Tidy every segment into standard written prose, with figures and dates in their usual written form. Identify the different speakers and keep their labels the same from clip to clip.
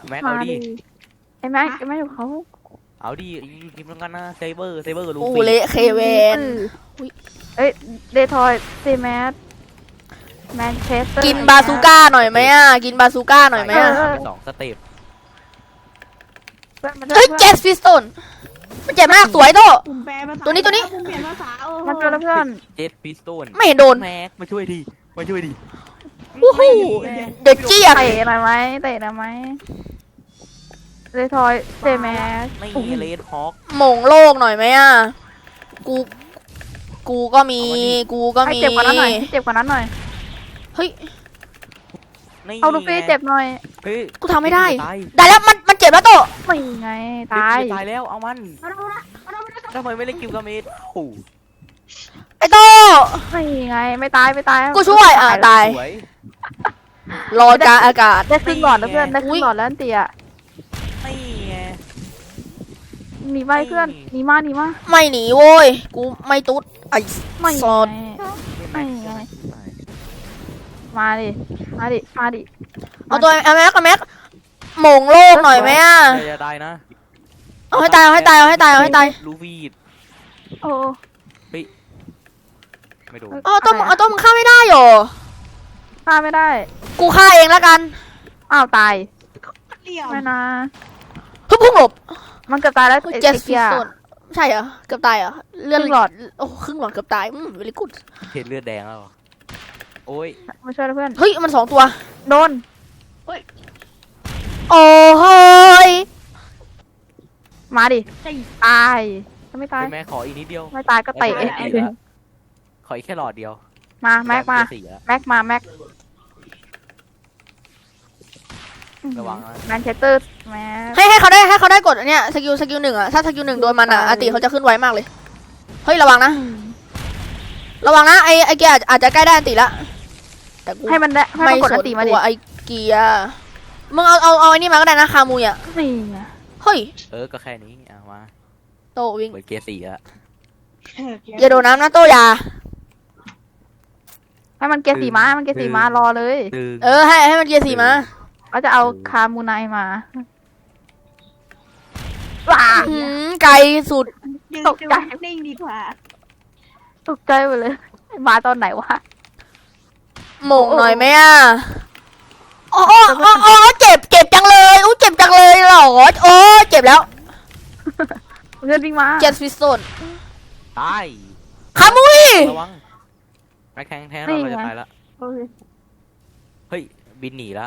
Speaker 1: แม็กเอาดิ
Speaker 2: ไอ้แม็กอยู่เขา
Speaker 1: เอาดิอยู่ทีมแล้วกันนะเซเบอร์ลู
Speaker 3: โอ้
Speaker 1: ฟี่
Speaker 3: เละเคเวน
Speaker 2: เอ้ยเดทอยเซแมสแมนเชสเตอร์
Speaker 3: กินบาซูก้าหน่อยไหมอ่ะกินบาซูก้าหน่อยไหมอ่ะ
Speaker 1: สองสเต็ป
Speaker 3: เฮ้ยเจสฟิสโตนมันเจ็บมากสวยโต
Speaker 4: ผมแปลภาษา
Speaker 3: ตัวนี้
Speaker 4: ผมเปลี่ยนภาษา
Speaker 2: มันเจอแล้วเพื่อน
Speaker 1: เจ็ดพิสโตน
Speaker 3: ไม่เห็นโดน
Speaker 1: แม็กมาช่วยดิ
Speaker 3: วู้ฮู้เด็กเจี๊ยบ
Speaker 2: เตะหน่อยไหมเดทอยเซแมส
Speaker 1: ไม่เลดฮอก
Speaker 3: หม่งโลกหน่อยไหมอ่ะกูก็มี
Speaker 2: ให้เจ็บกว่านั้นหน่อย
Speaker 3: เฮ้ย
Speaker 2: เอาลูฟี่เจ็บหน่อย
Speaker 1: เฮ้ย
Speaker 3: กูทำไม่ได้
Speaker 1: ตาย
Speaker 3: ได้แล้วมันเจ็บแล้วโต
Speaker 2: ไม่ไงตาย
Speaker 1: ตายแล้วเอามันทำไมไม่เล่นกิมกาเมดโอ้
Speaker 3: ไอ้โต
Speaker 2: ไม่ไงไม่ตาย
Speaker 3: กูช่วยตาย
Speaker 1: สวย
Speaker 3: รอกลางอากาศ
Speaker 2: ได้ครึ่งหลอดแล้วเพื่อนได้ครึ่งหลอดแล้วเตีย
Speaker 1: ไม่ไง
Speaker 2: หนีไปเพื่อนหนีมา
Speaker 3: ไม่หนีโว้ยกูไม่ตุ๊ดไอ้
Speaker 2: ไม่
Speaker 3: ซอด
Speaker 2: ไม่ไงมาดิ
Speaker 3: เอาตัวแม็กหม่งโลกหน่อยไหมอ่ะ
Speaker 1: จะตายนะ
Speaker 3: เอาให้ตาย
Speaker 1: ลูฟี่
Speaker 2: โอ้
Speaker 1: ไม่โดน
Speaker 3: เอาตัวมึงฆ่าไม่ได้หรอ
Speaker 2: ฆ่าไม่ได้
Speaker 3: กูฆ่าเองแล้วกัน
Speaker 2: อ้าวตาย
Speaker 4: เลี่ยม
Speaker 2: ไม่นะ
Speaker 3: ฮึบพุ่งหลบ
Speaker 2: มันเกือบตายแล้ว
Speaker 3: เจสฟิสโตนใช่เหรอเกือบตายเหรอเลือด
Speaker 2: ครึ่งหลอด
Speaker 3: โอ้ครึ่งหลอดเกือบตายเวลิกูด
Speaker 1: เห็นเลือดแดงแล้วโอ้ย
Speaker 2: มาช่วยเพื่อน
Speaker 3: เฮ้ยมัน2 ตัว
Speaker 2: โดน
Speaker 3: โอ้เฮ้ย
Speaker 2: มาดิตายถ้าไม่ตาย
Speaker 1: แม่ขออีกนิดเดียว
Speaker 2: ไม่ตายก็เตะ
Speaker 1: ขออีกแค่หลอดเดียว
Speaker 2: มาแม็กมาแม็ก
Speaker 1: ระวังนะ
Speaker 2: แมนเชสเตอร์แม็
Speaker 3: ให้เขาได้กดอันเนี้ยสกิล1อ่ะถ้าสกิล1โดนมันอ่ะอาติเขาจะขึ้นไวมากเลยเฮ้ยระวังนะไอเกียอาจจะใกล้ได้อันติละแต่กู
Speaker 2: ให้มันได้ให้
Speaker 3: ไม่
Speaker 2: มันกด
Speaker 3: ส
Speaker 2: อั
Speaker 3: น
Speaker 2: นตีมาดิ
Speaker 3: ตัวไอเกียมึงเอาไอ้นี่มาก็ได้นะคามุยอ่ะ
Speaker 2: นี่ไง
Speaker 3: เฮ้ย
Speaker 1: ก็แค่นี้มา
Speaker 3: โตวิ่ง
Speaker 1: เปิดเกียร์สี่อะ
Speaker 3: อย่าโดนน้ำนะโตยา
Speaker 2: ให้มันเกียร์สีม้ารอเลย
Speaker 1: ตึง
Speaker 3: ให้มันเกียร์4มา
Speaker 2: เขาจะเอาคามูไนมาว้า
Speaker 3: ไกลสุด
Speaker 4: ยืนนิ่งดีกว่า
Speaker 2: ตกใจหมดเลย มาตอนไหนวะ
Speaker 3: หม่งหน่อยไหมอ่ะโอ้เจ็บจังเลยเจ็บจังเลยเหรอโอ้เจ็บแล้ว
Speaker 2: เพื่อนวิ่งมา
Speaker 3: เจสฟิสโตน
Speaker 1: ตาย
Speaker 3: คามุย
Speaker 1: ระวังแม็กแทงเราจะตายละเฮ้ยบินหนีละ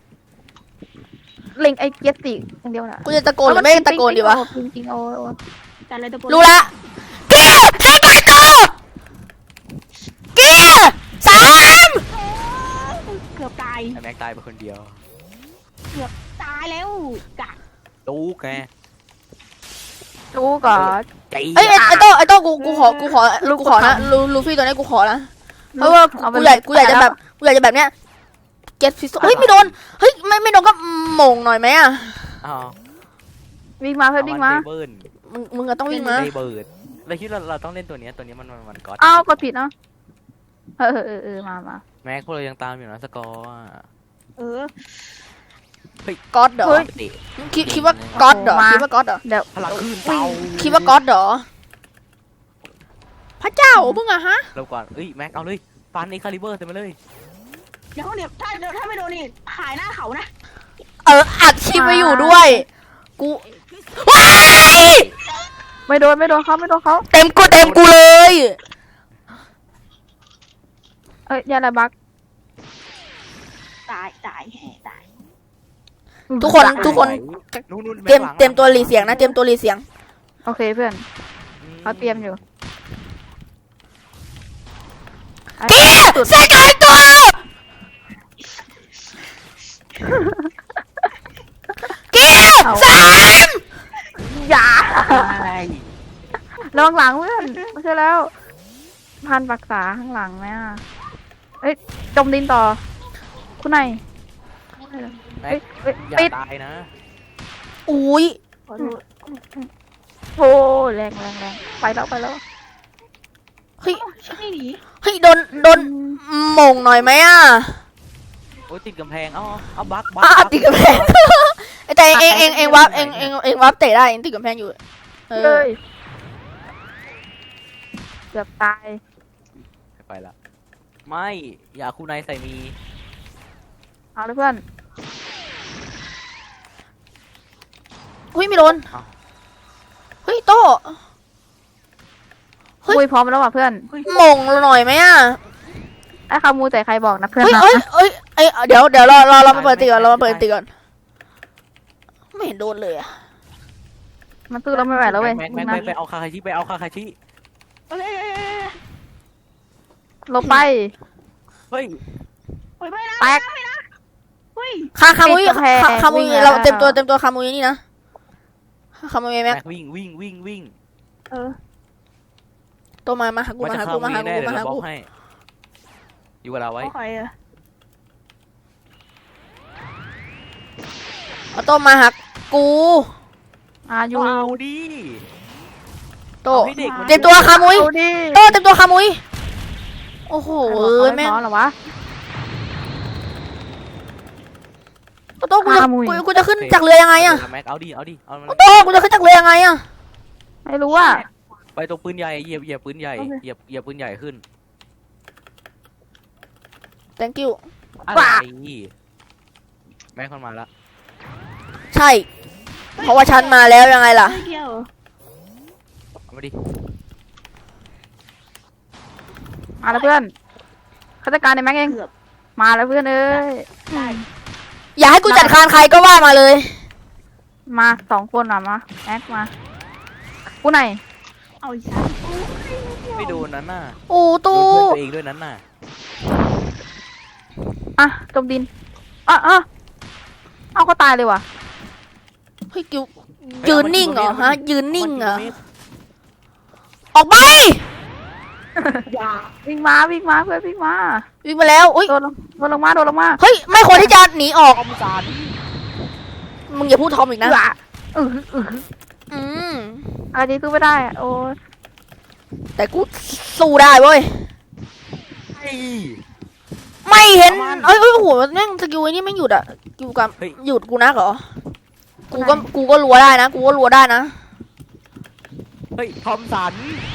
Speaker 2: เล็งไอเกียร์สีอย่างเดียวนะ
Speaker 3: กูจะตะโกนหรือไม่ตะโกนดีวะ
Speaker 2: จริงๆโอ้
Speaker 4: แต่เลยตะโกน
Speaker 3: รู้ละเกียร์ให้ไปต่อเกียร์3
Speaker 4: เกือบตาย
Speaker 1: แม็กตายไปคนเดียว
Speaker 4: เกือบตายแล้วกะ
Speaker 1: ตู้แก
Speaker 2: ดูก่อน
Speaker 1: ใจ
Speaker 3: ไอ้โต้กูขอนะลูฟี่ตัวนี้กูขอนะเพราะว่ากูอยากจะแบบเนี้ยเจ็ดฟิสเฮ้ยไม่โดนเฮ้ยไม่โดนก็หม่งหน่อยไหมอ่ะ
Speaker 1: อ้าว
Speaker 2: วิ่งมาเพื่อนวิ่งมา
Speaker 1: เบิร์น
Speaker 3: มึงก็ต้องวิ่งมา
Speaker 1: เบิร์ดเราคิดเราต้องเล่นตัวนี้มันก๊อต
Speaker 2: อ้าวกดผิดเนาะมา
Speaker 1: แม็กพวกเรายังตามอยู่นะสกอร์
Speaker 4: เออ
Speaker 3: ก๊อตเหรอคิดว่าก๊อตเหรอคิดว่าก๊อตเหรอ
Speaker 2: เดี๋ยว
Speaker 1: พลังขึ้นเตา
Speaker 3: คิดว่าก๊อตเหรอพระเจ้ามึงอะฮะ
Speaker 1: เราก่อนแม็กเอาเลยฟันไอ้คาลิเบอร์เต็มไปเลย
Speaker 4: เดี๋ยวถ้าไม่โดนนี่หายหน้าเขานะ
Speaker 3: อัดคลิปไว้อยู่ด้วยกูว้าย
Speaker 2: ไม่โดนเขา
Speaker 3: เต็มกูเลย
Speaker 2: ยาละบัก
Speaker 4: ตาย
Speaker 3: ทุกคนเตรียมตัวรีเสียงนะเตรียมตัวรีเสียง
Speaker 2: โอเคเพื่อนเขาเตรียมอยู่
Speaker 3: เกียร์ใส่กันตัว เกียร์3
Speaker 2: อย่า
Speaker 1: อะไร
Speaker 2: ระวังหลังเพื่อนไม่ใช่แล้วพันปักษาข้างหลังนะจมดินต่อคุณนาย
Speaker 1: แม็กอย่า
Speaker 2: ปิด
Speaker 1: ตายนะ
Speaker 3: อุ้ย
Speaker 2: โอ้แรงไปแล้ว
Speaker 3: เฮ้ย
Speaker 4: ไม่หนี
Speaker 3: โดนหม่งหน่อยไหมอ่ะ
Speaker 1: โอ้ยติดกำแพงเอาบัก
Speaker 3: ติดกระแพงแต่เองวับเตะได้เองติดกำแพงอยู่เอ
Speaker 2: เล
Speaker 3: อย
Speaker 2: เกือบตาย
Speaker 1: ไปละไม่อย่าคูไนใส่มี
Speaker 2: เอาเลยเพื่อน
Speaker 3: หุ้ยไม่โดนเฮ้ยโต้ เฮ้ย
Speaker 2: คุยพร้อมแล้วว่ะเพื่อน
Speaker 3: หม่งหน่อยไหมอ่ะ
Speaker 2: ไอ้คามูแต่ใครบอกนะเพื่อน
Speaker 3: เฮ้ย
Speaker 2: นะ
Speaker 3: เดี๋ยวเรามาเปิดตีก่อนเรามาเปิดตีก่อนไม่เห็นโดนเลยอ่ะ
Speaker 2: มันสู้เราไม่ไหวแล้วเว้ย
Speaker 1: แม็ก
Speaker 2: นะ
Speaker 1: ไปเอาคาคาชิไปเอาคาคาชิ
Speaker 4: เอ้ย
Speaker 2: ลงไป
Speaker 1: เฮ้ย
Speaker 4: โอ้ยไม่นะ
Speaker 2: แตก
Speaker 4: ไม่นะเฮ้ย
Speaker 3: คามุย
Speaker 2: ปิดกำแพง
Speaker 3: คามุย
Speaker 2: วิ่งแล้ว
Speaker 3: เราเต็มตัวคามุยนี่นะคามุยแม็
Speaker 1: แม็
Speaker 3: ก
Speaker 1: กวิ่ง
Speaker 4: เออ
Speaker 3: โตมาหากู
Speaker 1: มัน
Speaker 3: มา
Speaker 1: จะ
Speaker 3: หา
Speaker 1: เข้า
Speaker 3: กูมา
Speaker 1: มี
Speaker 3: หา
Speaker 1: แน่
Speaker 3: กู
Speaker 1: เดี๋ยว
Speaker 3: มาหา
Speaker 1: เราบอ
Speaker 3: กู
Speaker 1: กให้อยู่กับเราไว้
Speaker 4: โอเคอะ
Speaker 3: เอาโตมาหากู
Speaker 2: อยู่
Speaker 1: เอาดิ
Speaker 3: โต
Speaker 1: เอาให้เด็กมัน
Speaker 3: เต็มตัวคามุย
Speaker 2: เอาดิ
Speaker 3: โตเต็มตัวคามุยโอ้โห
Speaker 2: ไม่
Speaker 3: แม่ง
Speaker 2: พอเหรอวะ
Speaker 3: โตกูจะ
Speaker 2: คามุย
Speaker 3: กูจะขึ้นจากเรือยังไงอะ
Speaker 1: แม็กเอาดิเอามัน
Speaker 3: โตกูจะขึ้นจากเรือยังไงอะ
Speaker 2: ไม่รู้ว่า
Speaker 1: ไปตรงปืนใหญ่เหยียบปืนใหญ่เหยียบปืนใหญ่ขึ้น
Speaker 3: thank you
Speaker 1: อะไรแม็กมันมาละ
Speaker 3: ใช่ เพราะว่าฉันมาแล้วยังไงล่ะ
Speaker 4: ไม่เกี่ยว
Speaker 1: เอามาดิ
Speaker 2: มาแล้วเพื่อนข้าราชการในแม็กเอง
Speaker 4: เกือบ
Speaker 2: มาแล้วเพื่อนเอ้ย
Speaker 4: ได้
Speaker 3: อย่าให้กูจัดการใครก็ว่ามาเลย
Speaker 2: มา2 คนอ่ะมาแม็กมากูไหน
Speaker 4: เอาอีกสัก
Speaker 1: ไม่โดนนั้นน่ะ
Speaker 3: โอ้
Speaker 1: โด
Speaker 3: ตู้
Speaker 1: นเพื่อนตัวเองด้วยนั้นน่ะ
Speaker 2: อ่ะจมดินเอาก็ตายเลยว่ะ
Speaker 3: เฮ้ยกิวยืนนิ่งเหรอฮะ ยืนนิ่งเหรอ ออกไป
Speaker 4: อย่า
Speaker 2: วิ่งมาเพื่อนวิ่งมา
Speaker 3: วิ่งมาแล้วอุ้ย
Speaker 2: โดนลงมา
Speaker 3: เฮ้ย ไม่ควรที่จะหนีออก
Speaker 1: คอมสาร
Speaker 3: มึงอย่าพูดทอมอีกนะ อืม
Speaker 2: อะไรที่สู้ไม่ได้อะโอ้ย
Speaker 3: แต่กูสู้ได้เว้ย
Speaker 1: ไอ้
Speaker 3: ไม่เห็น
Speaker 1: ประมาณ
Speaker 3: เอ้ยโอ้โหแม่งสกิลไอ้นี่ไม่หยุดอ่ะอยู่กับ
Speaker 1: เฮ้ย
Speaker 3: หยุดกูนักเหรอ กูก็รัวได้นะ กูก็รัวได้นะ
Speaker 1: เฮ้ยทอมสัน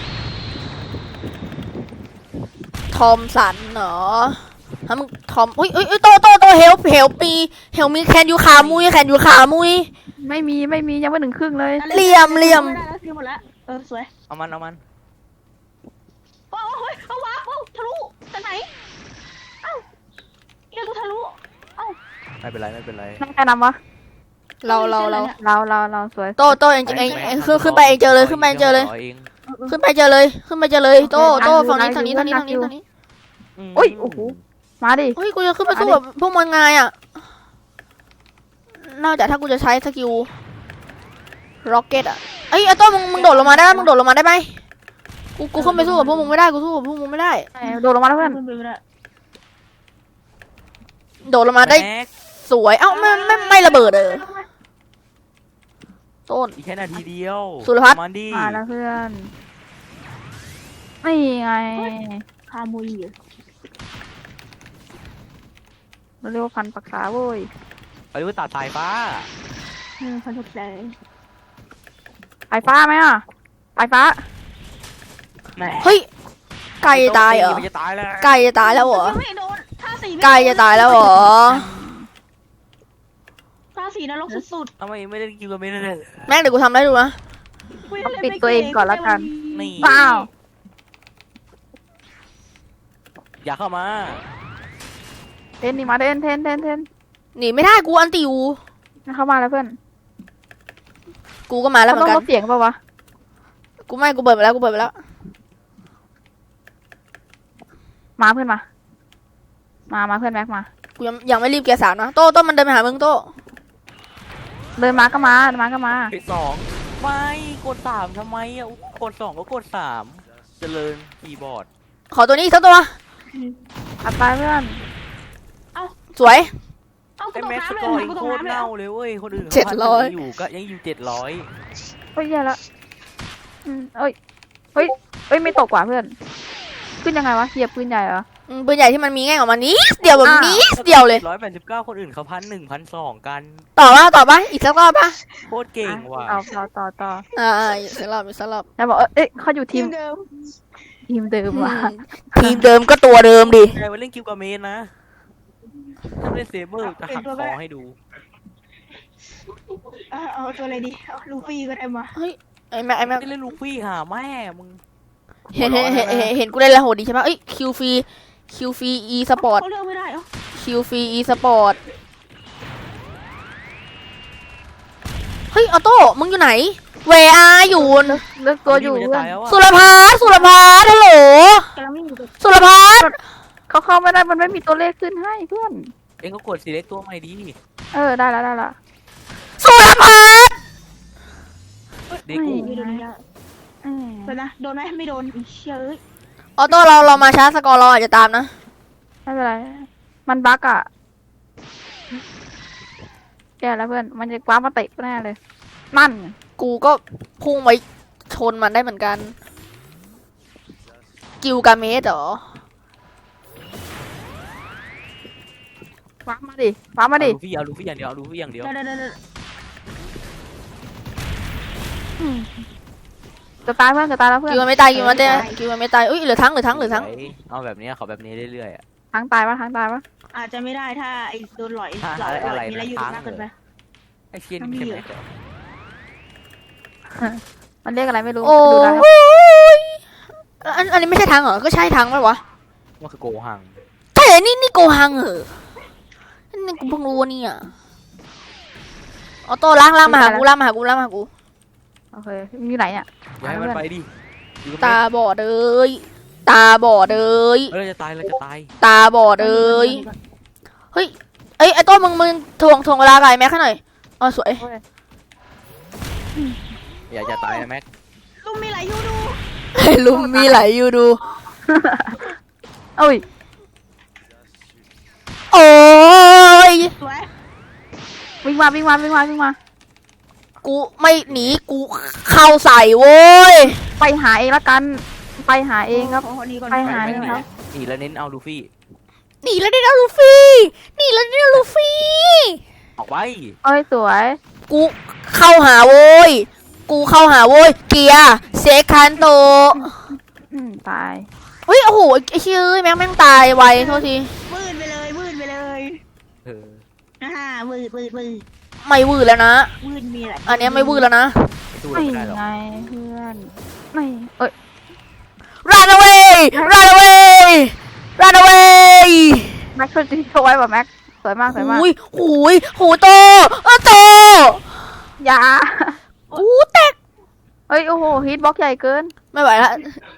Speaker 3: ทอมสันเหรอฮะมึงทอมอุ้ยโตเฮลมีแคนยูขามุย
Speaker 2: ไม่มียังไม่ถึงครึ่งเลย
Speaker 3: เหลี่ยม
Speaker 4: ไม่ได้แล้วซื้อหมดแล้วสวย
Speaker 1: เอามัน
Speaker 4: โอ้ยเอาวะโอ้ทะลุจากไหนเอ้าเอียกูทะลุเอ้า
Speaker 1: ไม่เป็นไร
Speaker 2: นั่งใครนำวะ
Speaker 3: เรา
Speaker 2: สวย
Speaker 3: โตเองขึ้นไปเองเจอเลยขึ้นไปเจอเลยโตฝั่งนี้
Speaker 2: อุ้ยโอ้โหมาดิ
Speaker 3: เฮ้ยกูจะขึ้นไปสู้แบบพวกมันไงอ่ะนอกจากถ้ากูจะใช้สกิลร็อกเก็ตอ่ะไอ้โตมึงโดดลงมาได้ไหมกูขึ้นไปสู้กับพวกมึงไม่ได้กูสู้กับพวกมึงไม่ได้
Speaker 2: โดดลงมาแล้วเพื่อน
Speaker 3: โดดลงมาได้
Speaker 1: แม็ก
Speaker 3: สวยเอ้าไม่ระเบิดต้น
Speaker 1: อีกแค่นาทีเดียว
Speaker 3: สุรพัฒน์
Speaker 1: มันดิ
Speaker 2: มาแล้วเพื่อนนี่ไง
Speaker 4: คามุยเหรอ
Speaker 2: เราเรียกว่าพันปรักษาเว้ย
Speaker 1: ไปดูตัดสายฟ้า
Speaker 4: พันธุใจ
Speaker 2: ไฟฟ้าไหมอ่ะไฟฟ้า
Speaker 1: แม่
Speaker 3: เฮ้ยไก่ตายเหรอ
Speaker 1: มันจะตายแล้ว
Speaker 3: ไก่จะตายแล้วเหรอ
Speaker 4: ไม่โดนท่าสี
Speaker 3: ไก่จะตายแล้วเหรอ
Speaker 4: ท่าสีนรกสุด
Speaker 1: ทำไมไม่ได้กินตัวไม่ได้เลย
Speaker 3: แม่งเดี๋ยวกูทำได้ดูนะ
Speaker 4: ๆ
Speaker 2: ปิดตัวเองก่อนละกัน
Speaker 1: นี่
Speaker 2: ว้าว
Speaker 1: อย่าเข้ามา
Speaker 2: เทนนี่มาเทน
Speaker 3: หนีไม่ได้กูอันติว
Speaker 2: เข้ามาแล้วเพื่อน
Speaker 3: กูก็มาแล้วเหมื
Speaker 2: ต้
Speaker 3: อ
Speaker 2: อน ง
Speaker 3: กัน
Speaker 2: ลดเสียงเปล่าวะ
Speaker 3: กูเปิดไปแล้ว
Speaker 2: มาเพื่อนมาเพื่อนแม็กมา
Speaker 3: กูยังไม่รีบเกียร์สามนะโต้มันเดินไปหามึงโต้
Speaker 2: เดินมาก็มา
Speaker 1: ที่สองไม่กด3ทำไมอ่ะกด2ก็กด3เจริญคีย์บอร์ด
Speaker 3: ขอตัวนี้อีกสักตัว
Speaker 2: อัดไปเพื่อน
Speaker 3: สวย
Speaker 4: เอากู
Speaker 1: ไอ้
Speaker 4: ตก
Speaker 1: แม็ก
Speaker 4: น้ำ
Speaker 1: ส
Speaker 4: เลย
Speaker 1: กอร์
Speaker 4: กู
Speaker 1: โค
Speaker 4: ตก
Speaker 1: ตร
Speaker 4: น้ำเลย
Speaker 1: เน่าเลยเว้ยคนอื่น
Speaker 3: 700
Speaker 1: อยู่ก็ยังอยู่700
Speaker 2: เฮ้ยแย่ละเอ้ยไม่ตกกว่าเพื่อน ขึ้นยังไงวะเหยียบปืนใหญ่เหรอ
Speaker 3: ปืนใหญ่ที่มันมีแง่งออกมานิดเดียวแบบนิดเดียวเลย
Speaker 1: 189คนอื่นเขา1,100 1,200กัน
Speaker 3: ต่อปะอีกสักรอบปะ
Speaker 1: โคตรเก่งว่ะ
Speaker 2: ต่อ
Speaker 3: อีกสักรอบอีกสักรอบ
Speaker 2: แล้วบอกเอ้ยเขาอยู่ทีม
Speaker 4: เดิม
Speaker 2: เดิมว่ะ
Speaker 3: ทีมเดิมก็ตัวเดิมดิ
Speaker 1: ใครมาเล่นกิลกาเมนนะถ้าเล่นเซเบอร์จะหักคอให้ดู
Speaker 4: เอาตัวอะไรดีเอาลูฟี่ก็ได้มา
Speaker 3: เฮ้ยไอ้แม็ก
Speaker 1: ไม่เล่นลูฟี่หาแม่มึง
Speaker 3: เห็นกูเล่นแล้วโหดดีใช่ปะเอ้ยคิวฟรีอีสปอร์ต
Speaker 4: เขาเลือกไม่ได้เหรอ
Speaker 3: คิวฟรีอีสปอร์ตเฮ้ยออโต้มึงอยู่ไหนเวอาอยู่
Speaker 2: เลือกตัวอยู่
Speaker 1: มันจะ
Speaker 2: เพื่อ
Speaker 1: ตาน ยแล้วอะ
Speaker 3: สุรพัฒน์ฮัลโหล
Speaker 4: กำลังไม่อยู่กับ
Speaker 3: สุรพัฒน์
Speaker 2: เขาเข้าไม่ได้มันไม่มีตัวเลขขึ้นให้เพื่อน
Speaker 1: เอ็งก็กดสีเล็กตัวใหม่ดี
Speaker 2: ได้ละ
Speaker 3: สุรพัฒน์
Speaker 1: เด็กกู
Speaker 4: ไม่โดนไม่ได้เดี๋ยวนะโดนไหมไม่โดนอีเชี่ยเอ้ย
Speaker 3: ออโต้เรามาช้าสกอร์เราอาจจะตามนะ
Speaker 2: ไม่เป็นไรมันบั๊กอ่ะแกแล้วเพื่อนมันจะคว้ามาเตะแน่เลยนั่น
Speaker 3: กูก็พุ่งไปชนมันได้เหมือนกันกิลกาเมสเหรอ
Speaker 2: คว้ามาดิคว้ามาดิ
Speaker 1: เอาลูฟี่อย่างเดียวเอาลูฟี่อย่างเดียว
Speaker 4: เดี๋ยว
Speaker 2: จะตายเพื่อนจะตายแล้วเพื่อน
Speaker 3: กิลมันไม่ตายกิลมันไม่ตายอุ้ยเหลือทั้ง
Speaker 1: เอาแบบนี้ขอแบบนี้เรื่อยๆอะ
Speaker 2: ทั้งตายปะทั้งตายปะ
Speaker 4: อาจจะไม่ได้ถ้าไอ้โดนหลอย
Speaker 1: ถ้าอะไร
Speaker 4: มีอะไรอยู่มากเกินไป
Speaker 1: ไอ้เชียนนี่ใช่ไหม
Speaker 2: มันเรียกอะไรไม่รู้
Speaker 3: โอ้
Speaker 2: ดูได้ครับ
Speaker 3: ยอันนี้ไม่ใช่ทั้งเหรอก็ใช่ทั้งไหมวะ
Speaker 1: ว่าคือโกหัง
Speaker 3: ใช่นี่โกหังเหรอนี่กูเพิ่งรู้เนี่ยออโต้ล้างมาหากู
Speaker 2: โอเคมีอยู่ไหนเนี่ย
Speaker 1: อย่าให้มันไปดิ
Speaker 3: ตาบอดเลยตาบอดเลย
Speaker 1: เราจะตาย
Speaker 3: ตาบอดเลยเฮ้ยไอ้โต้มึงทวงเวลาไก่แม็กให้หน่อยอ๋อสวย
Speaker 1: อย่าจะตายนะแม็ก
Speaker 4: ลุงมีไหลอยู่ดู
Speaker 3: ลุมมีไหลอยู่ดู
Speaker 2: โอ้ย
Speaker 3: โอ้ย
Speaker 4: สวย
Speaker 2: วิ่งมา
Speaker 3: กูไม่หนีกูเข้าใส่โว้ย
Speaker 2: ไปหาเองละกันไปหาเองครับ
Speaker 4: โอ้โหนี่ก่อน
Speaker 2: ไปหา
Speaker 1: ไม่
Speaker 2: เอง
Speaker 1: หนี
Speaker 2: ครับ
Speaker 1: หนีแล้วเน้นเอาลูฟี่
Speaker 3: หนีแล้วได้ลูฟี่
Speaker 1: ออกไป
Speaker 2: เอ้ยสวย
Speaker 3: กูเข้าหาโว้ยเกียร์เซคันโต
Speaker 2: ตาย
Speaker 3: เฮ้ยโอ้โหไอ้เชื่อแม่งตายไวโทษที
Speaker 4: วืดไปเลย
Speaker 1: เออ
Speaker 4: วืด
Speaker 3: ไม่วืดแล้วนะ
Speaker 4: วืดมีอะไร
Speaker 3: อันเนี้ยไม่วืดแล้วนะ
Speaker 1: สู้
Speaker 2: ไม่
Speaker 1: ไม่ได้หรอก
Speaker 2: ไงเพื่อนไม่เอ้ย
Speaker 3: run away
Speaker 2: แม็กช่วยช่วยไว้ป่ะแม็กสวยมาก
Speaker 3: หูยโตโต
Speaker 2: อย่า
Speaker 3: หูแตก
Speaker 2: เอ้ยโอ้โหฮิตบล็อกใหญ่เกิน
Speaker 3: ไม่ไหวละ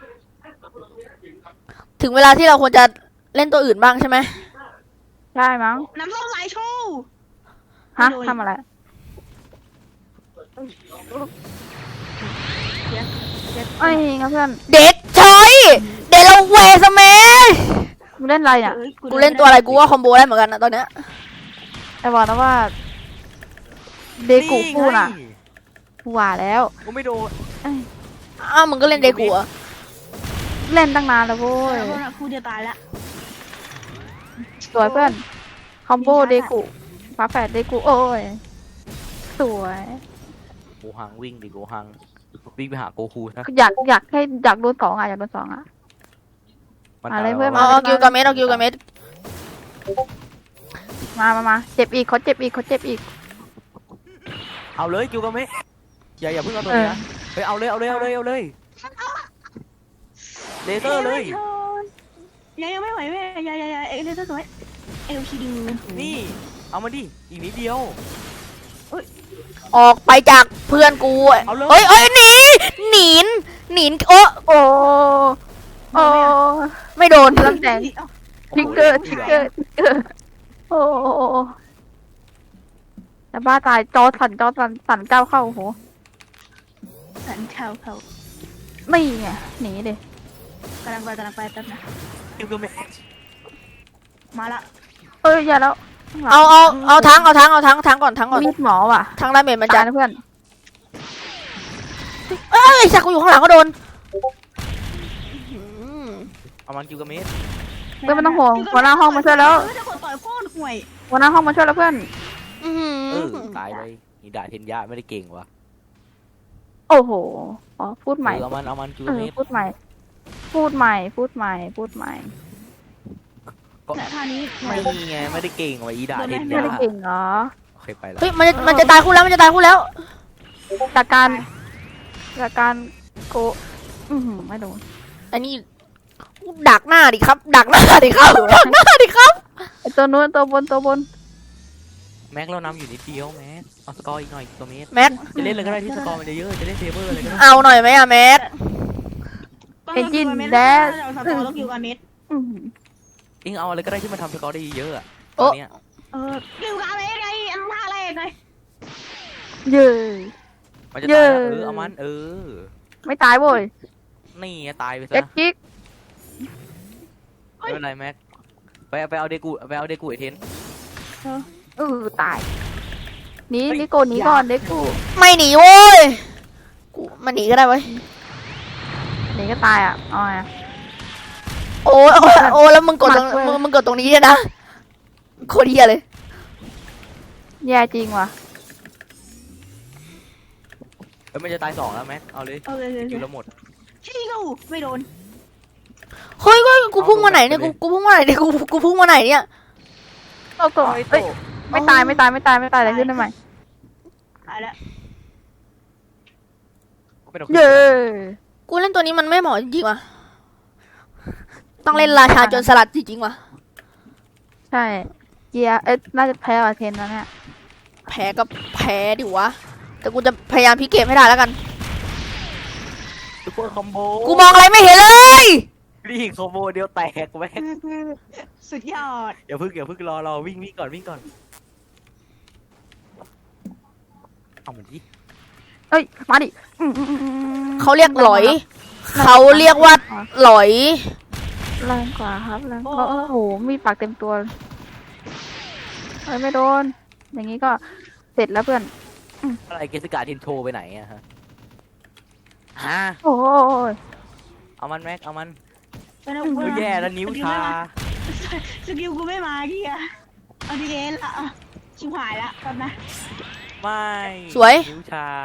Speaker 3: ถึงเวลาที่เราควรจะเล่นตัวอื่นบ้างใช่ไหม
Speaker 2: ใช่มั้ง
Speaker 4: น้ำส้มสายชู
Speaker 2: ฮะทำอะไร ไอ้งั้นเพื่อน
Speaker 3: เด็กชอยเดลเวสแมช
Speaker 2: มึงเล่นอะไรเนี่ย
Speaker 3: กูเล่นตัวอะไรกูว่าคอมโบได้เหมือนกันนะตอนเนี้ย
Speaker 2: ไอ้บอกนะว่าเดกูฟูน่ะกูว่าแล้ว
Speaker 1: กูไม่โดน
Speaker 3: อ้าวมึงก็เล่นเดกูอะ
Speaker 2: เล่นตั้งนานแล้วโว้ย
Speaker 4: ครูเดียวตายละ
Speaker 2: สวยเพื่อนคอมโบเดกูฟ้าแฝดเดกูโอ้ยสวย
Speaker 1: โกหังวิ่งดิโกหังวิ่งไปหาโกคูนะ
Speaker 2: อยากโดนสองอ่ะอยากโดนสองอ่ะ อะไรเพื่อน
Speaker 3: เอากิวกับเมส
Speaker 2: มาเจ็บอีกเขาเจ็บอีก
Speaker 1: เอาเลยกิวกาเมะอย่าเพิ่งเอาตัวนี้นะเฮ้ยเอาเลยเลเซอร์เลย
Speaker 4: ยังไม่ไหวแม่ยายเอ็กซ์สวยเอลชีดู
Speaker 1: นี่เอามาดิอีกนิดเดียว
Speaker 3: ออกไปจากเพื่อนกู
Speaker 1: เอาเลย
Speaker 3: เฮ้ยหนีโอ้
Speaker 2: โอ้
Speaker 3: ไม่โดน
Speaker 2: ลำแสงทิกเกอร์โอ้แต่บ้าตายจอสั่นก้าวเข้าโห
Speaker 4: สันเขา
Speaker 2: ไม่ไงหนีดิ
Speaker 4: กำลังไปแป๊บนะ
Speaker 1: กิวกาเมะ
Speaker 4: มาละ
Speaker 2: เอ้ยอย่าแล้ว
Speaker 3: เอาทั้งก่อน
Speaker 2: มีดหมอว่ะ
Speaker 3: ทั้งดาเมจมันจะ
Speaker 2: ตายนะเพื่อน
Speaker 3: เอ้ยสักกูอยู่ข้างหลังก็โดน
Speaker 1: เอามันกิวกาเมะ
Speaker 2: เพื่อนไม่ต้องห่วงหัวหน้าห้องมาช่วยแล้ว
Speaker 4: จะกดต่อยโคตรห่วย
Speaker 2: หัวหน้าห้องมาช่วยแล้วเพื่อน
Speaker 3: อื้อหื
Speaker 1: เอ
Speaker 3: อ
Speaker 1: อตายเลยนี่ด่าเทนยะไม่ได้เก่งวะ
Speaker 2: โอ้โหอ๋อพูดใหม่
Speaker 1: เอามันจู
Speaker 2: เออ
Speaker 1: เมตร
Speaker 2: พูดใหม่ พูดใหม่ พูดใหม่ พูดใหม่
Speaker 4: แต่ท่านี้ห่ว
Speaker 1: ไม่
Speaker 4: ย
Speaker 1: มีไงไม่ได้เก่งวะอีด่าเทน
Speaker 2: ไม่
Speaker 1: ยะ
Speaker 2: ได้เก่งเหรอ
Speaker 1: โอเคไปละ
Speaker 3: เฮ้ยมันจะตายคู่แล้วมันจะตายคู่แล้ว
Speaker 2: จากการโกไม่โดน
Speaker 3: อันนี้ดักหน้าดิครับ ดักหน้าดิครับดักหน้าดิครับ
Speaker 2: ไอตัวนู้นตัวบน
Speaker 1: แม็กเรานำอยู่นิดเดียวแม็กเอาสกอร์อีกหน่อยตัวเมตร
Speaker 3: แม็ก
Speaker 1: จะเล่นอะไรก็ได้ที่สกอร์มันเยอะๆจะเล่นเซเบอร์อะไรก็ได้
Speaker 3: เอาหน่อยไหมอะแม็ก
Speaker 2: เอนจินแดช
Speaker 4: เราสกอร์ต้องอยู่กับเม็ด
Speaker 1: เองเอาอะไรก็ได้ที่มันทำสกอร์ได้เยอะๆอะต
Speaker 3: โอ้
Speaker 1: อนเนี้ย
Speaker 4: อยู่กับเม็ดไงอันท่าแรกไง
Speaker 2: เย้
Speaker 1: มันจะตายแล้ว
Speaker 2: เย้
Speaker 1: เอามัน
Speaker 2: ไม่ตายโว้ย
Speaker 1: นี่ไงตายไป
Speaker 2: เอ็
Speaker 1: ซะ
Speaker 2: กจิก
Speaker 1: ไม่เป็นไรแม็กไปเอาเดกูไอเทน
Speaker 2: ตายหนีโกหนีก่อนเด็กกู
Speaker 3: ไม่หนีโว้ยกูมันหนีก็ได้เว้ย
Speaker 2: หนีก็ตายอ่ะเอาไง
Speaker 3: โอ้แล้วมึงกดตรง
Speaker 2: หมัดเว้ย
Speaker 3: มึงกดตรงนี้เนี่ยนะโคตรเหี้ยเลย
Speaker 2: แย่จริงว่ะ
Speaker 1: แล้วมันจะตาย2แล้วแม็กเอาเลย
Speaker 4: เอาเลย
Speaker 1: คิวแล้วหมด
Speaker 4: ชี้กูไม่โดน
Speaker 3: เฮ้ยกูพุ่งมาไหนเนี่ยกูพุ่งมาไหนเนี่ยกูพุ่งมาไหนเนี่ย
Speaker 2: โอ้โหเอ้ยไม่ตายอะไรขึ้นได้ไหม
Speaker 4: ตายแล้ว
Speaker 1: ไม่ต้อง
Speaker 2: เย้
Speaker 3: กูเล่นตัวนี้มันไม่เหมาะจริงๆว่ะต้องเล่นราชาโจรสลัดจริงๆว่ะ
Speaker 2: ใช่เกียร์น่าจะแพ้ว่ะเทนแล้วเนี่ย
Speaker 3: แพ้ก็แพ้ดิวะแต่กูจะพยายามพลิกเกมให้ได้แล้วกัน
Speaker 1: ซุปเปอร์คอมโบ
Speaker 3: กูมองอะไรไม่เห็นเลย
Speaker 1: นี่คอมโบเดียวแตกแม็ก
Speaker 4: สุดยอด
Speaker 1: อย่าเพิ่งรอวิ่งก่อนเอาเหมือนที่
Speaker 2: เอ้ยมาดิ
Speaker 3: เขาเรียกหลอย เขาเรียกว่าหลอย
Speaker 2: แรงกว่าครับแรงกว่าโอ้โหมีปากเต็มตัวเอ้ยไม่โดน อย่างนี้ก็เสร็จแล้วเพื่อน
Speaker 1: อะไรเกสกาเทนโทไปไหนอะฮะ
Speaker 2: โอ้ย
Speaker 1: เอามันแม็กเอามัน
Speaker 4: เป็นเอา
Speaker 1: เออแย่แล้วนิ้วชา
Speaker 4: สกิลกูไม่มากี้อะเอาดีเอ็นละชิบหายละก่อนนะ
Speaker 1: ไม่
Speaker 3: สวย
Speaker 1: นิ้วชา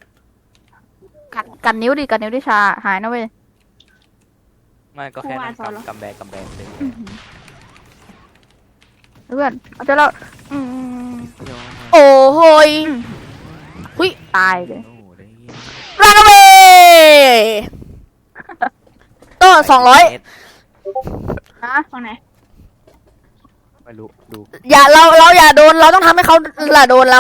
Speaker 2: กันนิ้วดิชาหายนะเว้ย
Speaker 1: ไม่ก็แค่นั้นกำแบงเลย
Speaker 2: เพื่อนเอาเจอแล้ว
Speaker 3: โอ้โหย
Speaker 2: ตายเลย
Speaker 1: โอ้ได้
Speaker 3: รันเวต้น200
Speaker 2: ฮะ
Speaker 4: ฝั่งไหน
Speaker 1: ไม่รู้ดู
Speaker 3: อย่าเราอย่าโดนเราต้องทำให้เขาล่ะโดนเรา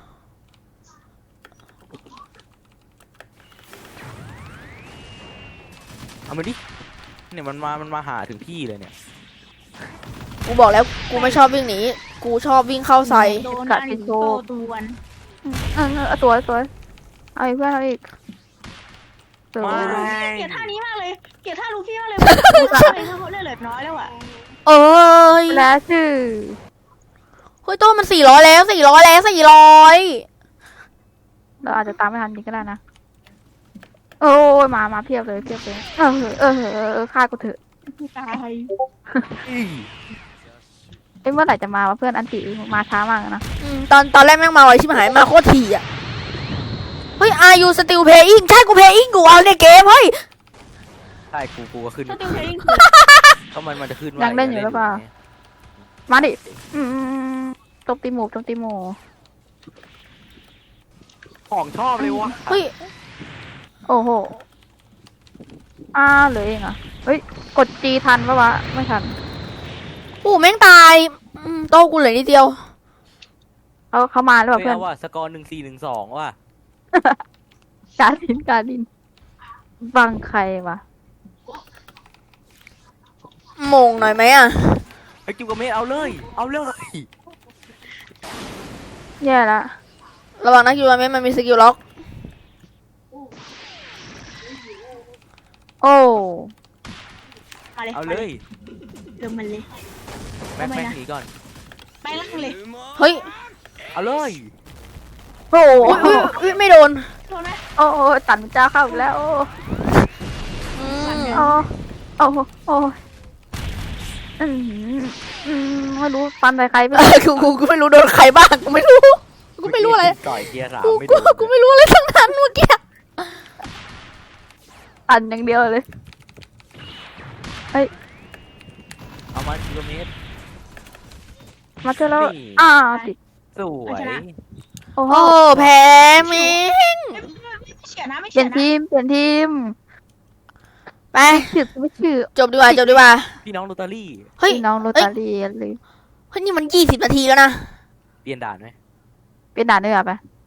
Speaker 1: เอามาดิเนี่ยมันมาหาถึงที่เลยเนี่ย
Speaker 3: กูบอกแล้วกูไม่ชอบวิ่งหนีกูชอบวิ่งเข้าใส่
Speaker 4: โดนกันโตตวน
Speaker 2: เอาตัวเอาอีกเพื่อนเอาอีกสวย
Speaker 4: เกลียดท่านี้มากเลยเกลียดท่าลูฟี่มากเลยเขาเลือดเหลือน้อยแล้วอะ
Speaker 3: เอ้ย
Speaker 2: แล้วชื่อ
Speaker 3: เฮ้ยโต้นมัน400แล้ว400
Speaker 2: เราอาจจะตามไม่ทันจริงก็ได้นะโอ้ยมาเพียบเลยฆ่ากูเถอะ
Speaker 4: ตาย
Speaker 2: เอ้ยเมื่อไหร่จะมาวะเพื่อนอันติมาช้ามากนะ
Speaker 3: ตอนแรกแม่งมาไวชิบหายมาโคตรถี่อ่ะเฮ้ย are you still playing ใช่กู playing กูเอาในเกมเฮ้ย
Speaker 1: ใช่กูก็ขึ้น
Speaker 4: สติลเพลง
Speaker 1: ก็มันจะขึ้น
Speaker 2: ยังเล่นอยู่หรือเปล่ามาดิตบตีหมู
Speaker 1: ของชอบเลยวะ
Speaker 3: เฮ้ย
Speaker 2: โอ้โหเหลือเองเหรอ่ะเฮ้ยกดจีทันปะวะไม่ทัน
Speaker 3: ปู่แม่งตายโต้กูเหลือนิดเดียว
Speaker 2: เขามาแล้ว
Speaker 1: เฮ้ย
Speaker 2: เพื่อน
Speaker 1: เอาว่ะสกอร์1412ว่ะ
Speaker 2: การดินบังใครวะ
Speaker 3: มงหน่อยไหมอ่ะ
Speaker 1: ไอ้กิวกับเมทเอาเลย
Speaker 2: แย่ละ
Speaker 3: ระวังนะคิวเมมันมีสกิลล็อก
Speaker 2: โอ้
Speaker 1: เอาเลย
Speaker 4: เริ่มมันเลย
Speaker 1: แม็กหนีก่อน
Speaker 4: ไปล่างเลย
Speaker 3: เฮ้ย
Speaker 1: เอาเลย
Speaker 2: โอ้
Speaker 3: อุ๊ยไม่โดน
Speaker 4: โดนไหม
Speaker 2: โอ้ตันเจ้าเข้าอีกแล้วโอ้
Speaker 3: อืม
Speaker 2: โอ้ไม่รู้ฟันใส่ใครไป
Speaker 3: กูไม่รู้โดนใครบ้างกูไม่รู้กูไม่รู้อะไร
Speaker 1: ต่อยเกียร์สาม
Speaker 3: กู
Speaker 1: ไม่
Speaker 3: กู
Speaker 1: โดน
Speaker 3: กูไม่รู้อะไรทั้งนั้นเมื่อกี้
Speaker 2: อันอย่างเดียวเลย
Speaker 1: เอามากิโลเมตร
Speaker 2: มาเจอแล้ว
Speaker 1: นี่
Speaker 2: ติด
Speaker 1: สวย
Speaker 2: โอ้โห
Speaker 3: โอ้แพ้แม่ง
Speaker 4: ไม่เฉียนะไม่
Speaker 2: เปลี่
Speaker 4: เฉี
Speaker 2: ย
Speaker 4: ย
Speaker 2: น
Speaker 4: นะ
Speaker 2: ทีมเปลี่ยนทีม
Speaker 3: ไป
Speaker 2: ไม่ชื่อ
Speaker 3: จบดีกว่าจบดีกว่า
Speaker 1: พี่น้องโรตารี่
Speaker 3: เฮ้ย
Speaker 2: พี่น้องโรตารีเลย
Speaker 3: เฮ้ยนี่มัน20 นาทีแล้วนะ
Speaker 1: เปลี่ยนด่านไหม
Speaker 2: เป็นด่านด้วยเหรอปะ